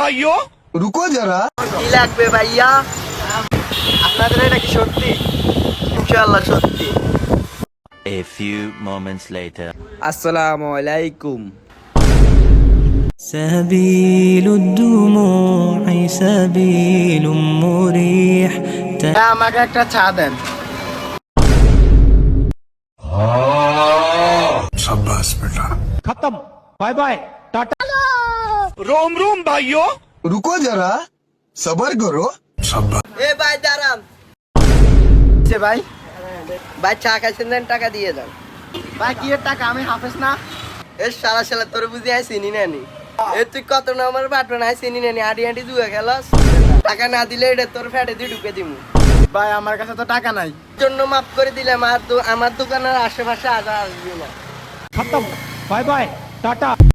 भाइयों रुको जरा। কি লাগবে ভাইয়া? আপনাদের এটা কি সত্যি? ইনশাআল্লাহ সত্যি। A few moments later. আসসালামু আলাইকুম। سبيل الدموع سبيل مريح আমাকে একটা চা দেন। शाबाश बेटा। खत्म बाय बाय टाटा रोम रोम भाइयों रुको जरा, सबर करो। शाबाश। এ ভাই দাঁড়ান। ভাই ভাই চা খাইছেন দেন, টাকা দিয়ে দেন। ভাই কি এর টাকা? আমি হাফেজ না। এ সারা সালা তোর বুঝি আই চিনি নানি। এ তুই কত নম্বর বাটন আই চিনি নানি, আডি আডি জুয়া খেলাস। টাকা না দিলে এটা তোর ফ্যাটে দিয়ে ঢুকে দিমু। ভাই আমার কাছে তো টাকা নাই। জন্য মাফ করে দিলাম, আর আমার দোকানের আশেপাশে আসবি না। खत्म बाय बाय टाटा।